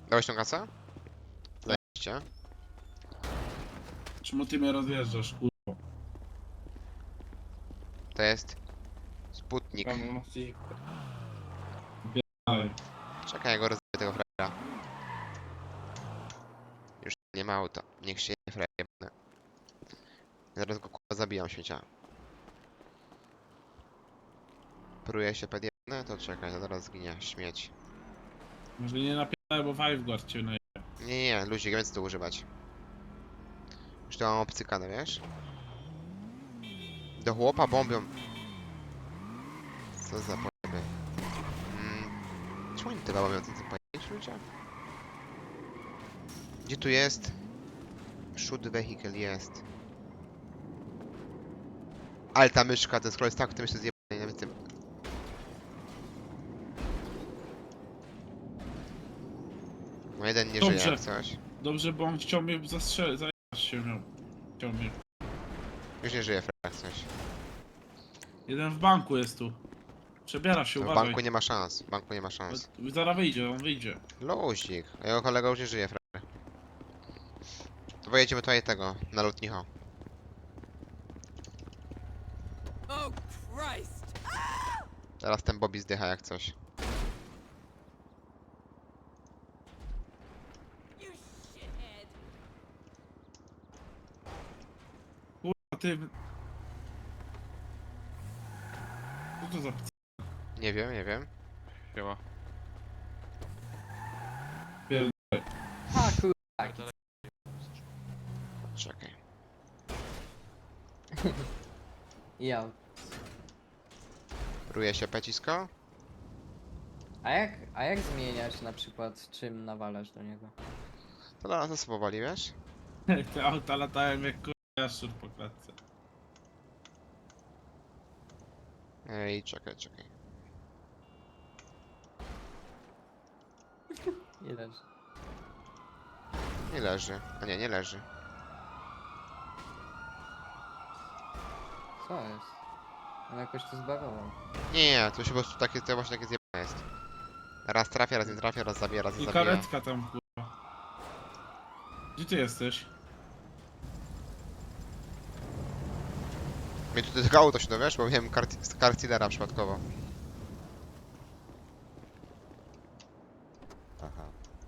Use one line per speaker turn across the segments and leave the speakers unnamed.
Dałeś tą kasę? Zajebiście.
Czemu ty mnie rozjeżdżasz, kurwa?
To jest... Sputnik.
Dalej.
Czekaj, ja go rozbiję tego frajera. Już nie ma auta. Niech się nie frajer. Zaraz go kurwa zabijam śmiecia. Pruje się pedjebne? To czekaj, to zaraz zginie. Śmieć.
Może nie napierdaj, bo Five Guard cię na...
Nie, luzik, więc to używać. Już to mam obcykane, wiesz? Do chłopa bombią. Co za pojeby. Czemu oni te bombią, co za pojeby, ludzie? Gdzie tu jest? Shoot vehicle jest. Ale ta myszka, ten scroll jest tak, w tym jeszcze zjebany, nawet tym. No jeden nie żyje
Dobrze.
jak coś.
Dobrze, bo on chciał mnie zastrzelić, zajebać się miał. Chciał mnie.
Już nie żyje jak coś.
Jeden w banku jest tu. Przebiera się,
No, w
uważaj.
banku nie ma szans, w banku nie ma szans.
Zaraz wyjdzie, on wyjdzie.
Luzik, a jego kolega już nie żyje, frajer. To pojedziemy tutaj tego, na lotnicho.
Oh Christ!
Teraz ten Bobby zdycha jak coś.
You shithead!
Kurwa, ty... Co to za p...
Nie wiem, nie wiem.
Siema.
A kurwa.
Czekaj.
Ja.
Ruje się pecisko?
A jak zmieniać na przykład czym nawalasz do niego?
To dla nas powoli, wiesz?
Te auta latają jak kurwa jaszczur po klatce.
Ej, czekaj.
Nie leży.
Nie leży. A nie, nie leży.
Co jest? On jakoś to zbagował.
Nie, to się po prostu takie, to właśnie takie zjebane jest. Raz trafia, raz nie trafia, raz zabija, raz nie
I
zabija.
karetka tam, kurwa. Gdzie ty jesteś?
Mnie tu tylko auto się dowiesz, bo miałem kartillera przypadkowo. Aha.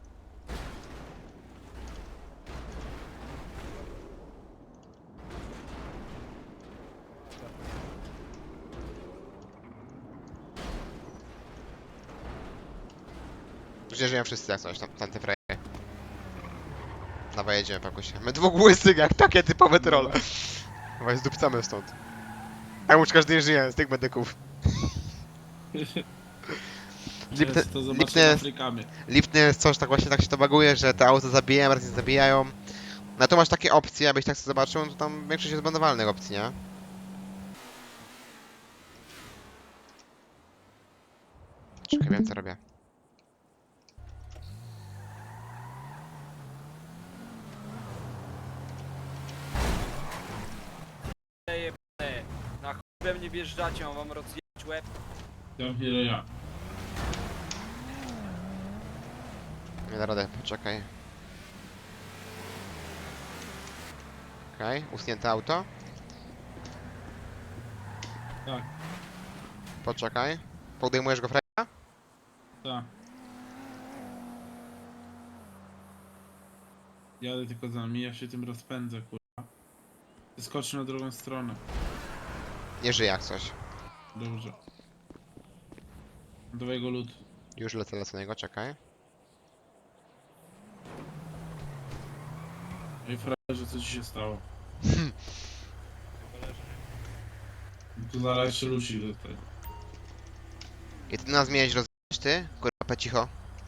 Gdzie żyją wszyscy jak coś, tam te frajery. Dawaj, jedziemy, pakusie. My dwóch łysych, jak takie typowe trolle. Chyba zdupcamy stąd. Tak już każdy żyje z tych medyków. Lipny,
To zobaczymy
lipny,
Afrykamy.
lipny jest coś, tak właśnie tak się to baguje, że te auto zabijają, raz nie zabijają. No to masz takie opcje, abyś tak sobie zobaczył, to tam większość jest bandowalnych opcji, nie? Czekaj, wiem co robię.
Jebane. Na chuj we mnie wjeżdżacie, mam wam rozjebać łeb.
Tam chwilę ja.
Nie da radę, poczekaj. Okej, usunięte auto.
Tak,
Poczekaj. Podejmujesz go fraja?
tak. Jadę tylko za nami, ja się tym rozpędzę, kurwa. Skocz na drugą stronę.
Nie żyje jak coś.
Dobrze. Dawaj go lód.
Już lecę na niego, czekaj.
Ej, frajerze, co ci się stało? Tu zaraz jeszcze Lucy do tego.
I ty nas miałeś rozwijać, ty? Kurwa, cicho.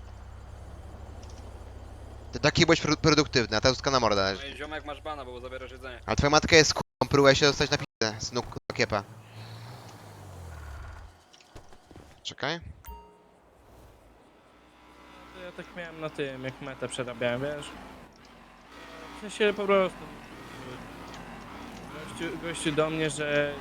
Ty taki byłeś produktywny, a ta łuska na mordę leży.
Ej, ziomek masz bana, bo zabierasz jedzenie.
A twoja matka jest k***ą, próbuje się dostać na p***ę, snuk, kiepa. Czekaj.
Ja tak miałem na tym, jak metę przerabiałem, wiesz? W sensie po prostu... Gościu do mnie, że...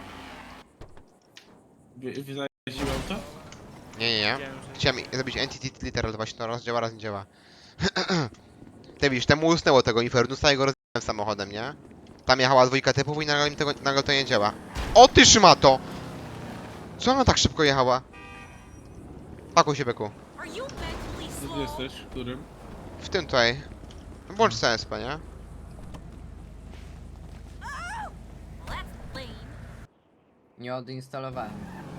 Wyzajesz auto?
Nie.
Wiedziałem, że...
Chciałem zrobić entity literal, to właśnie to raz działa, raz nie działa. Ty widzisz, temu usnęło tego Infernusa i go rozjechałem samochodem, nie? Tam jechała dwójka typów i nagle to nie działa. O ty szmato! Co ona tak szybko jechała? Pakuj się, Beku.
Are you mentally
Gdzie ty
slow?
jesteś? W którym?
W tym tutaj. Włącz CSP, nie?
That's lame.
Nie odinstalowałem.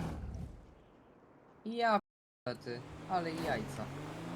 Ja p***ty, ale jajca.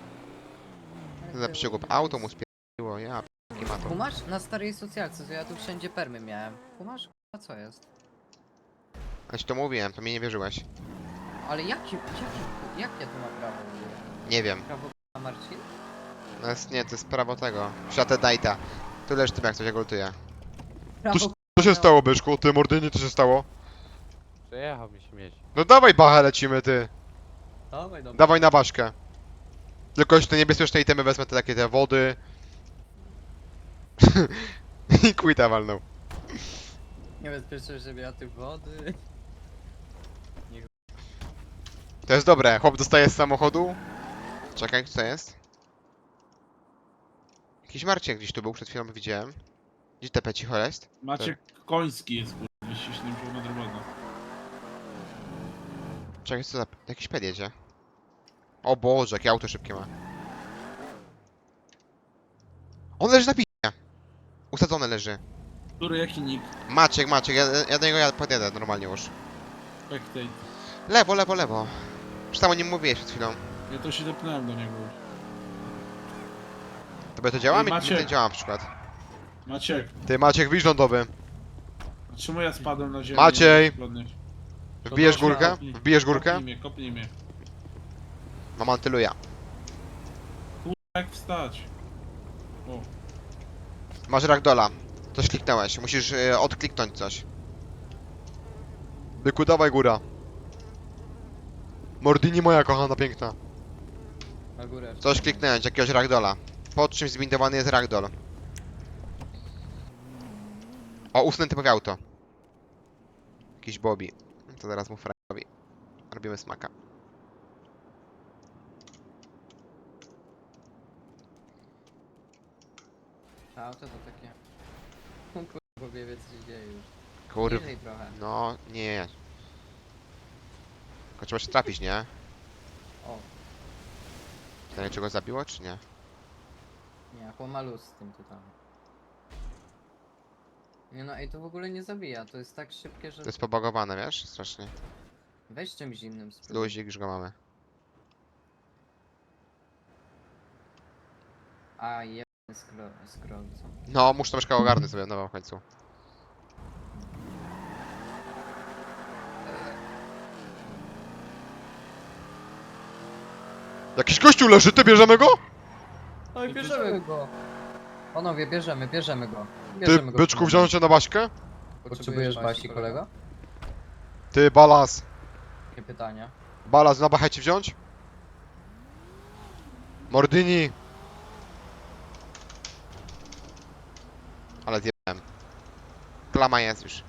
Za przygub. Auto mu spierdoliło, ja nie ma to.
Kumasz? Na starej socjalce, to ja tu wszędzie permy miałem. Kumasz? A co jest?
Ja ci to mówiłem, to mnie nie wierzyłeś.
Ale jak ja tu mam prawo?
Nie wiem.
Prawo k***a Marcin?
No jest, nie, to jest prawo tego. Światę Dajta. Tu leż tym jak coś agultuje.
Prawo
Co się stało, Byszku? Ty, Mordynie, co się stało?
Przejechał mi śmieć.
No dawaj bachę lecimy, ty.
Dawaj, dobra.
Dawaj na baszkę. Tylko jeszcze te niebezpieczne itemy wezmę, te takie te wody. I quita walnął.
Niebezpieczne, żeby ja tych wody.
To jest dobre. Chłop dostaje z samochodu. Czekaj, co to jest? Jakiś Marcin gdzieś tu był, przed chwilą widziałem. Gdzie te cicho jest?
Maciek Koński jest kurwa, wyściśnym pełna drogowa.
Czekaj, co za... Jakiś ped jedzie. O Boże, jakie auto szybkie ma. On leży na pisie. Usadzony leży.
Który jaki nick?
Maciek, ja do niego podjadę normalnie już.
Spectate.
Lewo, lewo, lewo. Już tam o nim mówiłeś przed chwilą.
Ja to się depnąłem do niego już.
Tobie to działa?
Ej,
Mi
Maciek.
to nie działa na przykład.
Maciek,
Ty, Maciek, wyjdź lądowy.
a czemu ja spadłem na ziemię?
Maciej!
Nie mogę podnieść?
Wbijesz
To
górkę?
kopnij.
Wbijesz górkę?
Kopnij mnie.
Mam antyluja.
Jak wstać? O,
Masz ragdola. Coś kliknąłeś. Musisz odkliknąć coś. Byku, dawaj góra. Mordini moja kochana, piękna.
Na górę.
Coś kliknąć, jakiegoś ragdola. Pod czymś zbindowany jest ragdoll. O, usnę typowe auto. Jakiś Bobby. To zaraz mu fragowi. Robimy smaka.
To auto to takie... Kurwa, wie co się dzieje już.
Kurwa.
Niżej trochę.
No, nie. Tylko trzeba się trafić, nie?
O,
Pytanie, czy go zabiło, czy nie?
nie, chłoma luz z tym tutaj. Nie no, ej, to w ogóle nie zabija, to jest tak szybkie, że...
To jest pobagowane, wiesz? Strasznie.
Weź czymś innym spróbuj.
Luzik, już go mamy.
A, jeden scroll, co?
No, muszę troszkę ogarnąć sobie nowo w końcu. Jakiś gościu leży, ty bierzemy go?
Oj, bierzemy go! Panowie, bierzemy go.
Ty,
Bierzemy go.
byczku, wziąć cię na baśkę?
Potrzebujesz basi, kolego?
Ty, balans.
Takie pytania.
Balans na bachę ci wziąć? Mordini. Ale zjebałem. Klama jest już.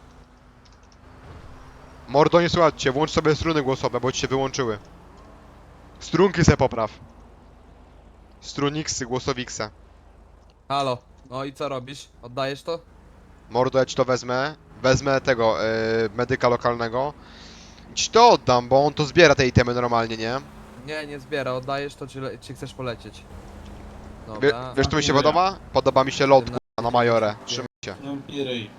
Mordo, nie słuchajcie, włącz sobie struny głosowe, bo ci się wyłączyły. Strunki se popraw. Struniksy, głosowikse.
Halo, no i co robisz? Oddajesz to?
Mordo, ja ci to wezmę. Wezmę tego, medyka lokalnego. Ci to oddam, bo on to zbiera te itemy normalnie, nie?
Nie, nie zbiera, oddajesz to czy chcesz polecieć?
Wie,
Dobra.
wiesz, co mi się
dziękuję.
podoba? Podoba mi się lot, kurwa, na majorę. Trzymaj się.
no i ryj.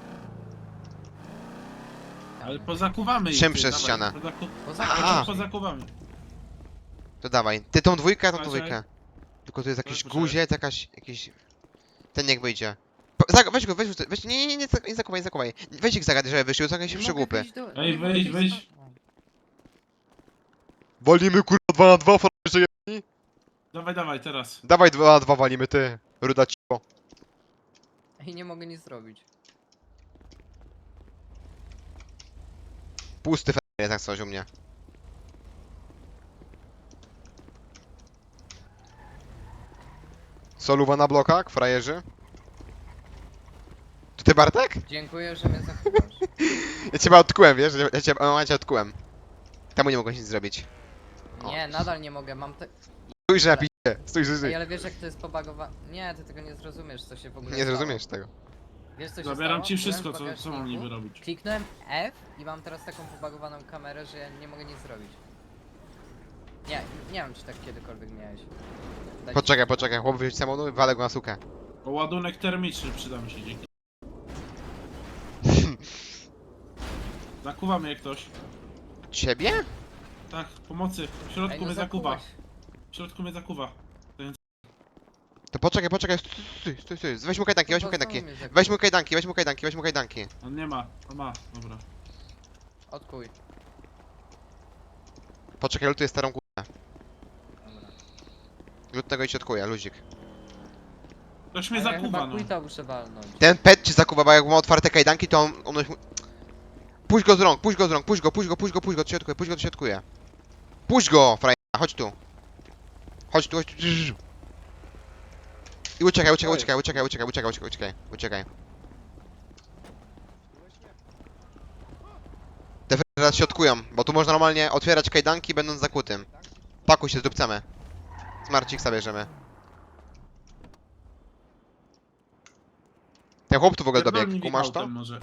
Ale pozakuwamy ich.
Czym
ty,
przez
dawaj,
ścianę?
Aha.
A.
Pozakuwamy.
To dawaj. Ty tą dwójkę, a tą
Macie?
dwójkę. Tylko tu jest jakiś
Proszę.
guziec, jakiś... Ten niech wyjdzie. Weź go, weź, nie zakuwaj. Weź ich zagadaj, żeby wyszły, są jakieś przygłupy.
Ej, wyjdź.
Walimy kurwa 2 na 2, frajerze jedni.
Dawaj, teraz.
Dawaj 2 na 2 walimy, ty. Ruda cicho.
I nie mogę nic zrobić.
Pusty frajer jest jak coś u mnie. Soluwa na blokach, frajerzy. To ty, Bartek?
Dziękuję, że mnie zachowasz.
Ja cię odkułem, wiesz? Ja cię odkułem. Temu nie mogę nic zrobić.
Nie, nadal nie mogę, mam te...
Spójrz na pisie. sukę. Stój, stój,
Ej,
stój.
ale wiesz jak to jest pobagowane? Nie, ty tego nie zrozumiesz, co się w ogóle
Nie
stało.
zrozumiesz tego.
Wiesz co się
Zabieram
stało?
ci
Byłem
wszystko,
w
co mam
bagażniku,
niby robić.
Kliknąłem F i mam teraz taką pobagowaną kamerę, że ja nie mogę nic zrobić. Nie wiem czy tak kiedykolwiek miałeś. Dać-
Poczekaj, chłop wyjść z samochodu i walę go na sukę.
O, ładunek termiczny przyda mi się, dzięki. Zakuwa mnie ktoś.
Ciebie?
Tak, pomocy. W
Ej,
środku
no
mnie zakuwa.
zakułeś.
W środku mnie zakuwa.
To poczekaj, stój. Weź mu kajdanki, weź mu
Kurwa,
kajdanki.
znowu mnie zakułeś.
Weź mu kajdanki.
On nie ma. On ma. Dobra.
Odkuj.
Poczekaj, lutuję starą kurę.
Dobra.
Lutnego i środkuję, luzik.
Ktoś mnie
Ale ja
zakuwa,
chyba
no.
quita muszę walnąć.
Ten pet ci zakuwa, bo jak ma otwarte kajdanki, to on... Puść go z rąk, puść go, to środkuje. Puść go, frajer, chodź tu. Chodź tu. I uciekaj. Te frajery teraz środkują, bo tu można normalnie otwierać kajdanki będąc zakutym. Pakuj się, zdupcamy. Smarciksa bierzemy. Ten chłop tu w ogóle
Pierdolnij
dobiegł,
mi
kumasz to?
autem może.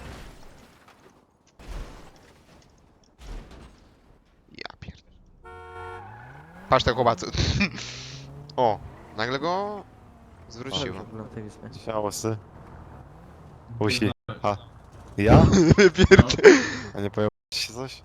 Ja pierd... Patrz ten chłopacu. O, nagle go zwróciło.
Ciałosy. Usi. A. Ja?
Pierd...
A nie pojawiło się coś?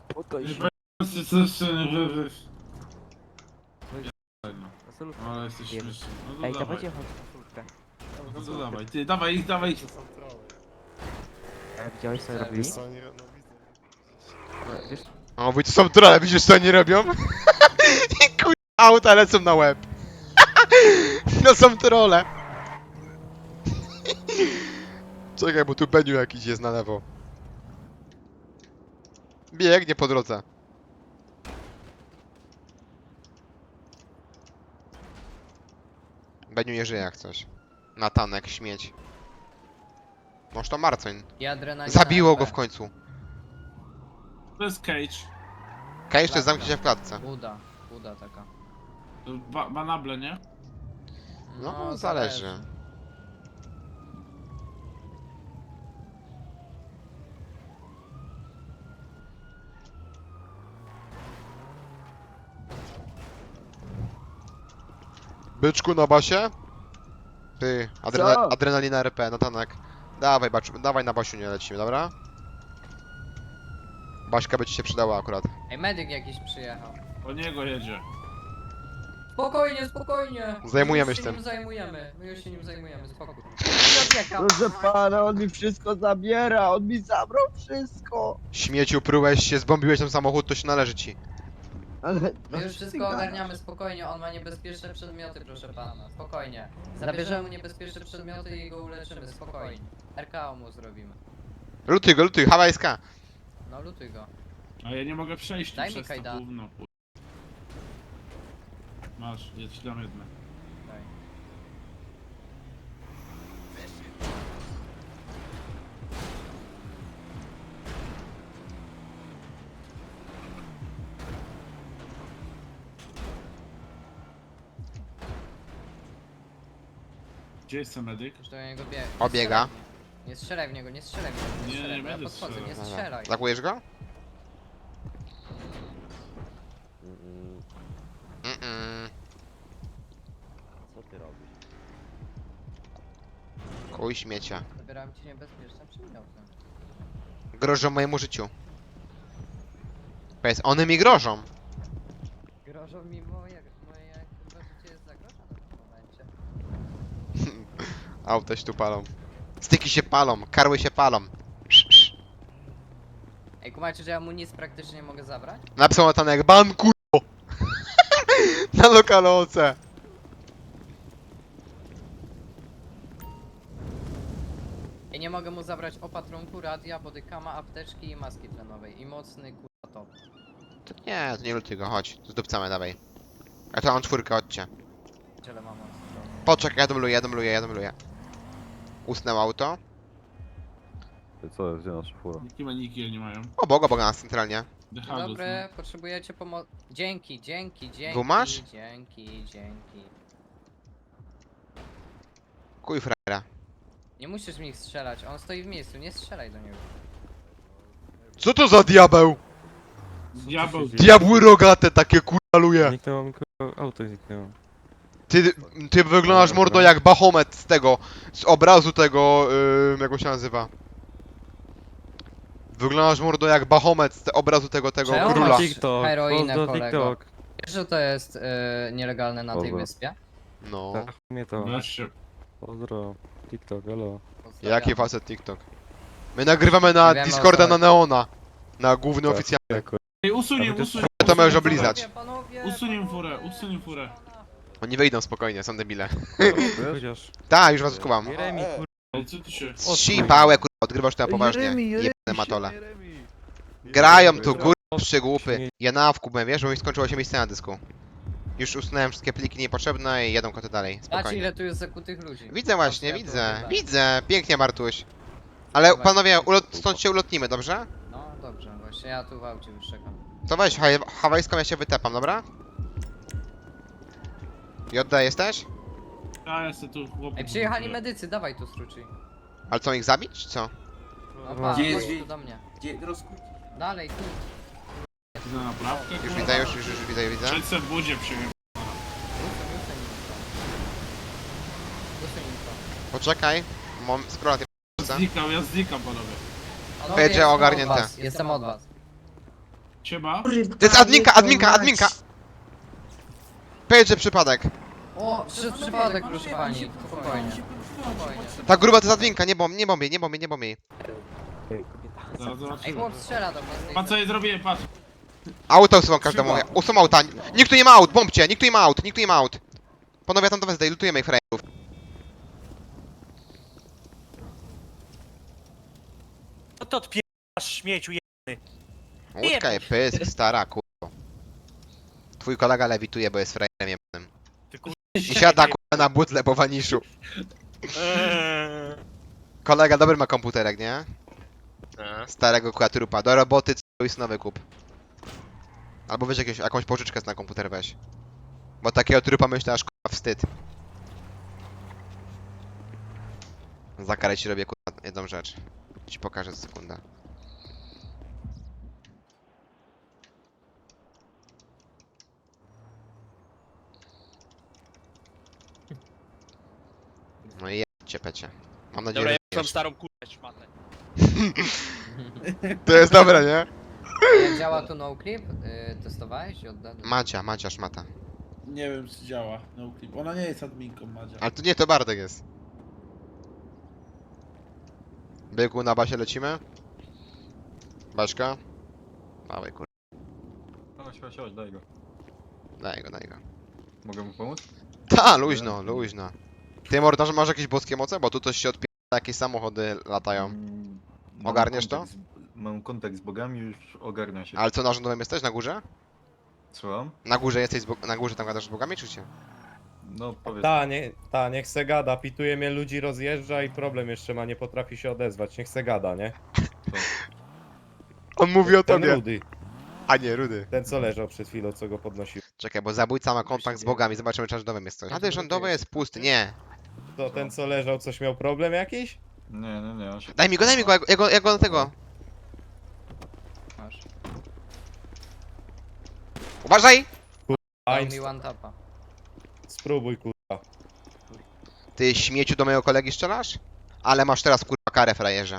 No, ale jesteś śmieszny. No to
Ej,
dawaj.
dawajcie chodź na furtkę.
No to dawaj. Ty, dawaj ich, dawaj ich.
Widziałeś co robili?
Co oni robią?
Wiesz,
O, wy to są trolle, widzisz co oni robią? I kuj... auta lecą na łeb. No są trolle. Czekaj, bo tu Beniu jakiś jest na lewo. Biegnie po drodze. Beniu nie żyje jak coś. Natanek, śmieć. Może to Marcoń.
I adrenalina.
Zabiło go
RP.
w końcu.
To jest cage.
Kaj jeszcze zamknie się w klatce.
Buda taka.
To banable, nie?
No, zależy. Byczku na basie? Ty, adrenalina RP, Natanek. Dawaj, dawaj na basiu nie lecimy, dobra? Baśka by ci się przydała akurat.
Ej, medyk jakiś przyjechał.
Po niego jedzie.
Spokojnie!
Zajmujemy
My
się
już
tym.
My już się nim zajmujemy, spokój. Nie odjechał.
proszę pana, on mi wszystko zabiera, on mi zabrał wszystko.
Śmieciu, prułeś się, zbombiłeś ten samochód, to się należy ci.
Ale...
My już wszystko ogarniamy spokojnie, on ma niebezpieczne przedmioty, proszę pana. Spokojnie. Zabierzemy mu niebezpieczne przedmioty i go uleczymy, spokojnie. RKO mu zrobimy.
Lutuj, hawajska.
No lutuj go.
A ja nie mogę przejść tu
Daj mi
przez to
kajdan.
gówno. Masz, ja ci dam jedne.
Daj.
Gdzie jest ten medyk?
Już do niego bieg.
Obiega.
Nie strzelaj w niego, nie strzelaj w niego.
Nie,
strzelaj,
nie
bo ja
będę
podchodzę, nie
strzelał.
strzelaj.
Zakujesz go?
Co ty robisz?
Kuj śmiecia.
Zabieram ci niebezpieczne przedmioty.
Grożą mojemu życiu. Powiedz, one mi grożą.
Grożą mi moje chyba życie jest zagrożone w tym momencie.
Auta się tu palą. Styki się palą, karły się palą.
Ej, kumacie, że ja mu nic praktycznie nie mogę zabrać?
Napisał Natanek, ban kurwo! Na lokaloce.
Ja nie mogę mu zabrać opatrunku, radia, bodykama, apteczki i maski tlenowej. I mocny kurwa top.
To nie lutuj go, chodź. Zdupcamy, dawaj. A to mam czwórkę, chodźcie.
Tyle mam mocny top.
Poczekaj, ja dubluję. Usnęło auto.
Co, gdzie nasza fura?
Niki maniki nie mają.
Obok nas centralnie.
Dzień
Dechagus,
dobry, potrzebujecie pomocy. Dzięki.
Gumasz?
Dzięki.
Kuj frajera.
Nie musisz w nich strzelać, on stoi w miejscu, nie strzelaj do niego.
Co to za diabeł?
Diabeł,
Diabły rogate takie kuraluje.
Zniknęło mi auto zniknęło.
Ty wyglądasz mordo jak Bahomet z tego, z obrazu tego, jak on się nazywa? Wyglądasz mordo jak Bahomet z obrazu tego
Czemu
króla.
masz
TikTok,
heroinę,
pozdro
kolego?
TikTok.
Wiesz, że to jest nielegalne na tej
Dobra.
wyspie?
No.
Tak, mnie to.
Wreszcie.
Pozdro. TikTok, elo.
Pozdrawiam.
Jaki facet TikTok? My nagrywamy na
Nie wiemy, o
Discorda
co
na
chodzi.
Neona. Na główny
Tak.
oficjalny.
Ej, usuń,
A wy
usuń.
to możesz oblizać.
Panowie,
Usuń furę, usuń furę.
Oni wyjdą spokojnie, są debile.
Chociaż.
Tak, już was skumam.
Jeremi, kurwa.
Ej, co ty się...
Sipałe kurwa, odgrywasz to na poważnie. Jebane matole. Grają tu kurwa przygłupy. Ja na wkupę, wiesz, bo mi skończyło się miejsce na dysku. Już usunąłem wszystkie pliki niepotrzebne i jadą koty dalej.
Patrz
Spokojnie.
ile tu jest zakutych ludzi.
Widzę właśnie,
Ja
widzę.
tu
Widzę. Pięknie Bartuś. Ale
Dawaj.
panowie, stąd się ulotnimy, dobrze?
No dobrze, właśnie ja tu w aucie już czekam.
To weź hawajską, ja się wytepam, dobra? Jodda jesteś?
Ja jestem tu chłopem.
Ej, przyjechali medycy, dawaj tu struczy.
Ale co, ich zabić, czy co?
No pa,
Gdzie
chodź
jest
tu do mnie.
Gdzie rozkuć?
Dalej, tu.
Na naprawkę,
Już
kurwa.
widzę, już widzę.
Przed se w budzie przyjechał.
Usuń im to.
Poczekaj. Mam scrolla tej
Znikam, ja znikam, panowie.
Panowie,
Będzie
jestem od
ogarnięte.
was, Jestem od was.
Siema.
To jest adminka! Powiedz, że przypadek.
O, przypadek proszę pani. Spokojnie. Spokojnie.
Ta gruba to jest adminka, nie bomb jej.
Zaraz zobaczymy.
Ej, chłop strzela do mnie. z tej
Patrz co jej zrobiłem, patrz.
Auto usuwam każdemu. Usuwam auta. Nikt tu nie ma aut, bombcie, nikt tu nie ma aut. Panowie, ja tam do was lutujemy ich frajerów.
No to odpierasz śmieciu,
Łódka i pysk, stara, kurwa. Twój kolega lewituje, bo jest frajerem jebanym.
Ty kur...
I siada kurwa na butle po waniszu. Kolega dobry ma komputerek, nie? Starego kurwa trupa. Do roboty co nowy kup. Albo weź jakąś pożyczkę na komputer weź. Bo takiego trupa myślę aż kurwa wstyd. Za karę ci robię kurwa jedną rzecz. Ci pokażę za sekundę. No i jedźcie pecie. Mam nadzieję,
Dobra, ja
że
mam starą kurwę szmatę.
to jest dobre, nie?
Jak działa tu noclip? Testowałeś i oddany?
Macia szmata.
Nie wiem czy działa. No clip. Ona nie jest adminką, Madzia.
Ale to nie, to Bartek jest. Byku, na basie lecimy? Baśka? Dawaj kur...
Chodź, daj go.
Daj go.
Mogę mu pomóc?
Ta, luźno. Ty mordarz masz jakieś boskie moce? Bo tu coś się odpiera, jakieś samochody latają. Ogarniesz to?
Mam kontakt z bogami, już ogarnia się.
Ale co, na rządowym jesteś? Na górze?
Słucham?
Na górze jesteś, na górze tam gadasz z bogami, czy cię?
No powiedz.
Niech se gada, pituje mnie ludzi, rozjeżdża i problem jeszcze ma, nie potrafi się odezwać, niech se gada, nie?
On mówi o
Ten
tobie.
Rudy,
A nie, Rudy.
ten co leżał przed chwilą, co go podnosił.
Czekaj, bo zabójca ma kontakt z bogami, zobaczymy czy na rządowym jest coś. A ty rządowy jest pusty, nie.
To ten co leżał, coś miał problem jakiś?
Nie, on się...
Daj mi go, ja go na tego.
Masz.
Uważaj!
Dał mi one tapa.
Spróbuj kurwa.
Ty śmieciu do mojego kolegi strzelasz? Ale masz teraz kurwa karę, frajerze.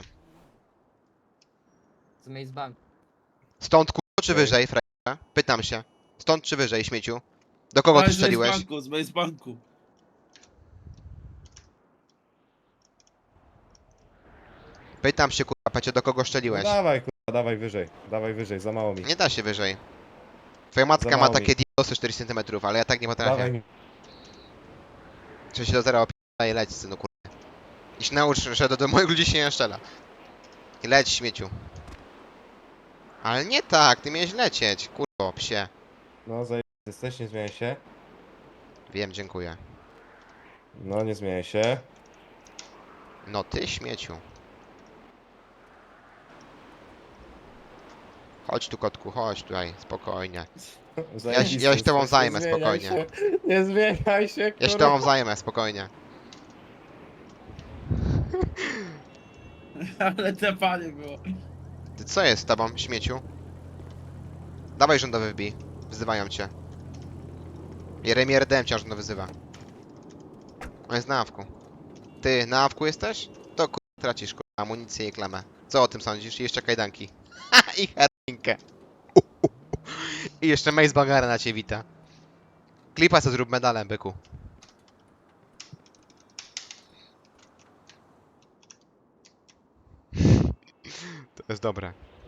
Z Maze Bank.
Stąd kurwa czy
Okej.
wyżej, frajerze? Pytam się. Stąd czy wyżej, śmieciu? Do kogo ty strzeliłeś?
Z Base Banku.
Pytam się kurwa, pecie, do kogo
No
strzeliłeś?
dawaj kurwa, dawaj wyżej, za mało mi.
Nie da się wyżej. Twoja matka
Za
ma
mało
takie diosy 4 cm, ale ja tak nie
Dawaj
potrafię.
mi.
3 do 0 opiera i leć, synu kurwa. I się naucz, że do moich ludzi się nie strzela. I leć, śmieciu. Ale nie tak, ty miałeś lecieć, kurwa, psie.
No jesteś, nie zmieniaj się.
Wiem, dziękuję.
No nie zmieniaj się.
No ty, śmieciu. Chodź tu, kotku, chodź tutaj, spokojnie. Ja się tobą
jesteś,
zajmę,
nie zmieniaj
spokojnie.
się, Nie zmieniaj się,
Ja się
kurwa.
tobą zajmę, spokojnie.
Ale te panie było.
Ty co jest z tobą, śmieciu? Dawaj rządowy wbij. Wzywają cię. Jeremy RDM cię rządowy wyzywa. On jest na awku. Ty, na awku jesteś? To tracisz amunicję i klamę. Co o tym sądzisz? I jeszcze kajdanki. Ha! I herrinkę. I jeszcze Mace Bagara na ciebie wita. Klipa co zrób medalem, byku. To jest dobre.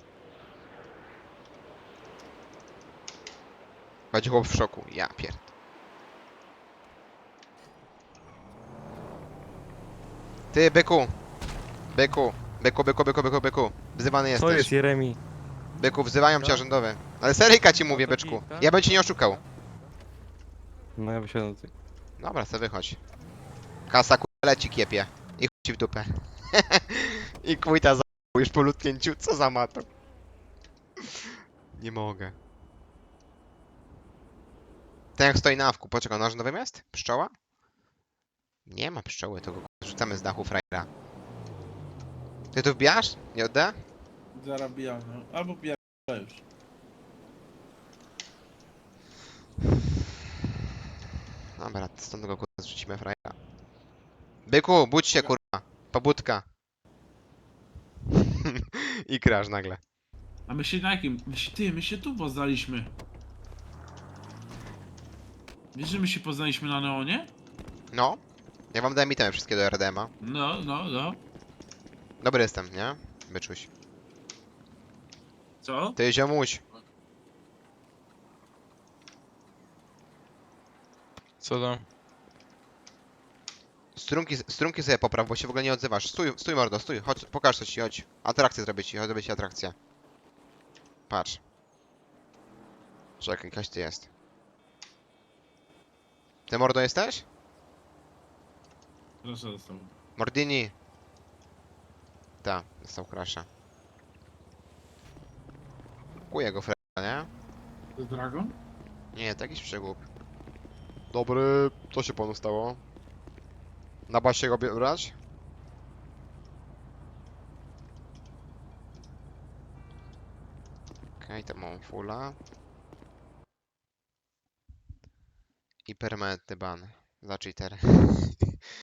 Chodzi chłop w szoku. Ja pierd. Ty, byku! Byku! Byku! Wzywany jesteś.
Co jest, Jeremi?
Byku, wzywają cię
Co?
rządowy. Ale seryjka ci mówię,
to
byczku.
git, tak?
Ja bym cię nie oszukał.
No ja wysiadam tutaj.
Dobra, se wychodź. Kasa leci kiepie. I chuj ci w dupę. I kujta za już po lutknięciu. Co za mato. Nie mogę. Ten jak stoi na awku. Poczekaj, na rządowym jest? Pszczoła? Nie ma pszczoły, to go rzucamy z dachu frajera. Ty tu wbijasz? Nie odda?
Zarabiam, no. Albo pierdolę już.
Dobra, stąd go kurwa zrzucimy frajera. Byku, budź się kurwa. Pobudka. I krasz nagle.
A my się na jakim? My się tu poznaliśmy. Wiesz, że my się poznaliśmy na Neonie?
No. Ja wam dałem itemy wszystkie do RDMA.
No.
Dobry jestem, nie? Byczuś.
Co?
Ty ziomuś.
Co tam?
Strunki sobie popraw, bo się w ogóle nie odzywasz. Stój mordo, stój. Chodź, pokaż coś ci, chodź. Atrakcję zrobię ci, chodź zrobię ci atrakcję. Patrz. Czekaj, jakaś ty jest. Ty mordo jesteś?
Proszę dostał.
Mordini. Ta, dostał crasha. Kuję go freda, nie?
To jest Dragon?
Nie, to jakiś przegłup. Dobry, co się panu stało? Na basie go brać? Okej, to mam fulla. I permanentny ban za cheater.